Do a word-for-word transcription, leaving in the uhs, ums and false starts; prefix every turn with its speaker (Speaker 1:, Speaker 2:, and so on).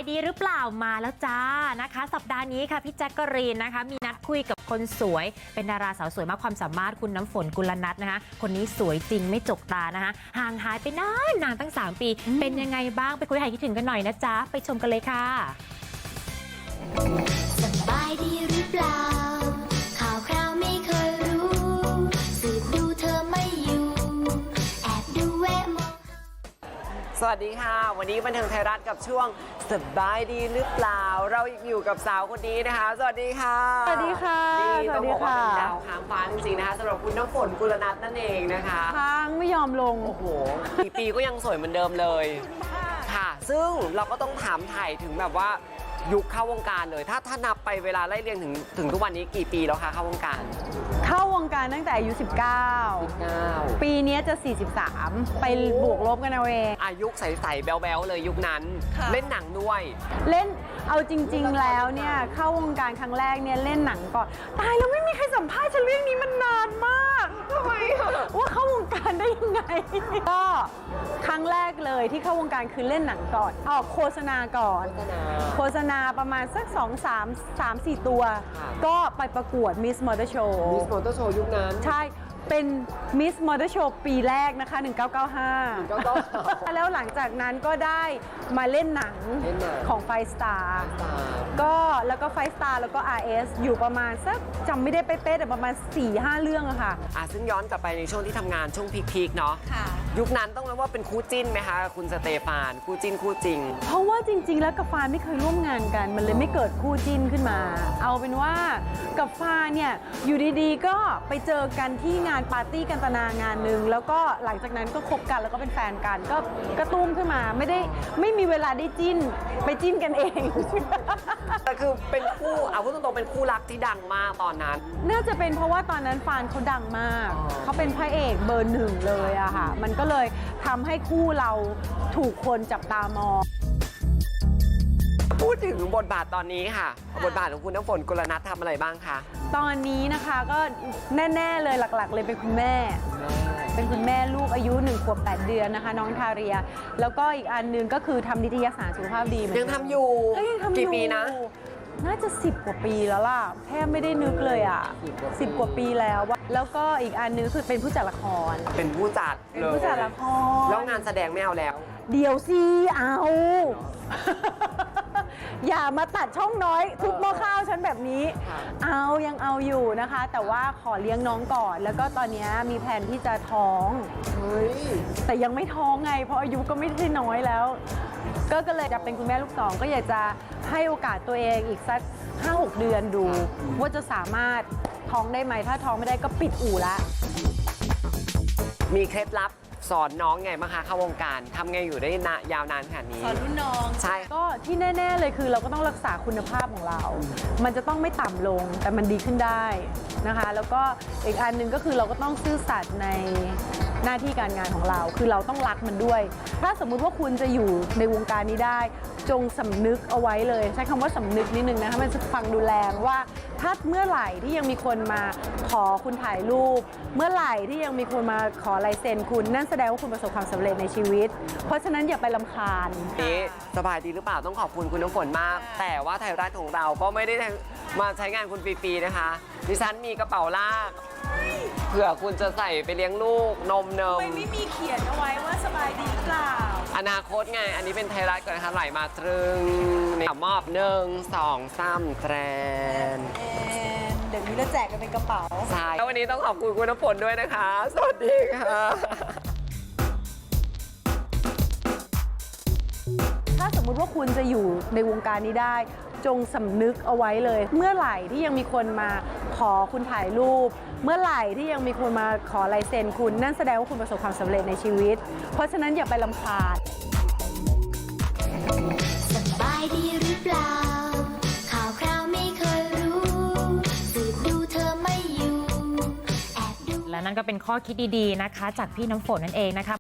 Speaker 1: ดีหรือเปล่ามาแล้วจ้านะคะสัปดาห์นี้ค่ะพี่แจ๊กกะรีนนะคะมีนัดคุยกับคนสวยเป็นดาราสาวสวยมากความสามารถคุณน้ำฝนกุลนัทนะคะคนนี้สวยจริงไม่จกตานะคะห่างหายไปนานนานตั้งสามปีเป็นยังไงบ้างไปคุยหายคิดถึงกันหน่อยนะจ๊ะไปชมกันเลยค่ะ
Speaker 2: สบายดีหรือเปล่าข่าวคราวไม่เคยรู้สืบดูเธอไม่อยู่แอบดูแวะมอง
Speaker 3: สวัสดีค่ะวันนี้บันเทิงไทยรัฐกับช่วงสบายดีหรือเปล่าเราอยู่กับสาวคนนี้นะคะสวัสดีค่ะ
Speaker 4: สวัสดีค่ะ
Speaker 3: นี่ต้องบอกว่าเป็น
Speaker 4: สวัสดีค่ะ
Speaker 3: ดาวค้างฟ้าจริงๆนะคะสำหรับคุณน้ำฝนกุลนัทนั่นเองนะคะ
Speaker 4: ค้างไม่ยอมลง
Speaker 3: โอ้โหปีปีก็ยังสวยเหมือนเดิมเลยค่ะซึ่งเราก็ต้องถามไถ่ถึงแบบว่ายุคเข้าวงการเลยถ้าถ้านับไปเวลาไล่เรียงถึงถึงทุกวันนี้กี่ปีแล้วคะเข้าวงการ
Speaker 4: เข้าวงการตั้งแต่อายุสิบเก้า
Speaker 3: สิบเก้า
Speaker 4: ปีนี้จะสี่สิบสามไปบวกลบกันเอาเอง
Speaker 3: อายุใสๆแบ๊วๆเลยยุคนั้นเล่นหนังด้วย
Speaker 4: เล่นเอาจริงๆแล้วเนี่ยเข้าวงการครั้งแรกเนี่ยเล่นหนังก่อนตายแล้วไม่มีใครสัมภาษณ์ฉันเรื่องนี้มันนานมาก
Speaker 3: ทำไม
Speaker 4: ว่าเข้าวงการได้ยังไงก็ครั้งแรกเลยที่เข้าวงการคือเล่นหนังก่อนออกโฆษณาก่อนโฆษณาประมาณสักสองสามสามสี่ตัวก็ไปประกวด Miss Motor Show
Speaker 3: Miss Motor Show ยุคนั้น
Speaker 4: ใช่เป็น Miss Motor Show ปีแรกนะคะหนึ่งเก้าเก้าห้าแล้วหลังจากนั้นก็ได้มาเล่นหนังของ Five Star ก็แล้วก็ Five Star แล้วก็ อาร์ เอส อยู่ประมาณสักจำไม่ได้เป๊ะๆแต่ประมาณ สี่ห้า เรื่องอะค่ะ
Speaker 3: อ่ะซึ่งย้อนกลับไปในช่วงที่ทำงานช่วงพีคๆเนาะยุคนั้นต้องเรียกว่าเป็นคู่จิ้นไหมคะคุณสเตฟานคู่จิ้นคู่จริง
Speaker 4: เพราะว่าจริงๆแล้วกับฟานไม่เคยร่วมงานกันมันเลยไม่เกิดคู่จิ้นขึ้นมาเอาเป็นว่ากับฟานเนี่ยอยู่ดีๆก็ไปเจอกันที่งานปาร์ตี้กันตนางานหนึ่งแล้วก็หลังจากนั้นก็คบกันแล้วก็เป็นแฟนกันก็กระตุ้มขึ้นมาไม่ได้ไม่มีเวลาได้จิ้นไปจิ้นกันเอง
Speaker 3: แต่คือเป็นคู่เอาพูดตรงๆเป็นคู่รักที่ดังมากตอนนั้น
Speaker 4: น่าจะเป็นเพราะว่าตอนนั้นฟานเขาดังมากเขาเป็นพระเอกเบอร์หนึ่งเลยอะค่ะมันก็เลยทำให้คู่เราถูกคนจับตามอง
Speaker 3: พูดถึงบทบาทตอนนี้ค่ะบทบาทของคุณน้ำฝนกุลนัททำอะไรบ้างคะ
Speaker 4: ตอนนี้นะคะก็แน่ๆเลยหลักๆเลยเป็นคุณแม่เป็นคุณแม่ลูกอายุหนึ่งขวบแปดเดือนนะคะน้องทาเรียแล้วก็อีกอันนึงก็คือทำนิตยสารสุขภาพดี
Speaker 3: ยังทำอยู่กี่ปีนะ
Speaker 4: น่าจะสิบกว่าปีแล้วล่ะแทบไม่ได้นึกเลยอ่ะสิบกว่าปีแล้วแล้วก็อีกอันนึงคือเป็นผู้จัดละคร
Speaker 3: เป็นผู้จัด
Speaker 4: เป็นผู้จัดละคร
Speaker 3: แล้วงานแสดงไม่เอาแล้ว
Speaker 4: เดี๋ยวสิเอาอย่ามาตัดช่องน้อยทุบหม้อข้าวฉันแบบนี้เอายังเอาอยู่นะคะแต่ว่าขอเลี้ยงน้องก่อนแล้วก็ตอนนี้มีแผนที่จะท้อง
Speaker 3: เฮ้ย
Speaker 4: แต่ยังไม่ท้องไงเพราะอายุก็ไม่ได้น้อยแล้วก็ก็เลยจะเป็นคุณแม่ลูกสองก็อยากจะให้โอกาสตัวเองอีกสัก ห้าหก เดือนดูว่าจะสามารถท้องได้ไหมถ้าท้องไม่ได้ก็ปิดอู่ละ
Speaker 3: มีเคล็ดลับสอนน้องไงบ้างคะเข้าวงการทำไงอยู่ได้นายาวนานขนาดนี้
Speaker 4: สอนรุ่นน้อง
Speaker 3: ใช่
Speaker 4: ก็ที่แน่ๆเลยคือเราก็ต้องรักษาคุณภาพของเรา มันจะต้องไม่ต่ำลงแต่มันดีขึ้นได้นะคะแล้วก็อีกอันหนึ่งก็คือเราก็ต้องซื่อสัตย์ในหน้าที่การงานของเราคือเราต้องรักมันด้วยถ้าสมมุติว่าคุณจะอยู่ในวงการนี้ได้จงสำนึกเอาไว้เลยใช้คำว่าสำนึกนิดนึงนะคะมันจะฟังดูแรงว่าถ้าเมื่อไหร่ที่ยังมีคนมาขอคุณถ่ายรูปเมื่อไหร่ที่ยังมีคนมาขอลายเซ็นคุณนั่นแสดงว่าคุณประสบความสำเร็จในชีวิตเพราะฉะนั้นอย่าไปรำคาญ
Speaker 3: นี่สบายดีหรือเปล่าต้องขอบคุณคุณน้ำฝนมากแต่ว่าไทยรัฐของเราก็ไม่ได้มาใช้งานคุณฟรีๆนะคะดิฉันมีกระเป๋าลากเผื่อคุณจะใส่ไปเลี้ยงลูกนมเนม
Speaker 4: ไม่ไม่มีเขียนเอาไว้ว่าสบายดีหรือเปล่า
Speaker 3: อนาคตไงอันนี้เป็นไทยรัฐก่อนนะคะไหลมาตรึงในมอบหนึ่งสองสามแตรน
Speaker 4: เดี๋ยวนี้เราแจกกันเป็นกระเป๋า
Speaker 3: ใช่แล้ววันนี้ต้องขอบคุณคุณน้ำฝนด้วยนะคะสวัสดีค่ะ
Speaker 4: ถ้าสมมุติว่าคุณจะอยู่ในวงการนี้ได้จงสำนึกเอาไว้เลยเมื่อไหร่ที่ยังมีคนมาขอคุณถ่ายรูปเมื่อไหร่ที่ยังมีคนมาขอลายเซ็นคุณนั่นแสดงว่าคุณประสบความสำเร็จในชีวิตเพราะฉะนั้นอย่าไปรำคาญ
Speaker 2: สบายดีหรือเปล่าข่าวคราวไม่เคยรู้สืบดูเธอไม่อยู่แอบดู
Speaker 1: และนั่นก็เป็นข้อคิดดีๆนะคะจากพี่น้ำฝนนั่นเองนะคะ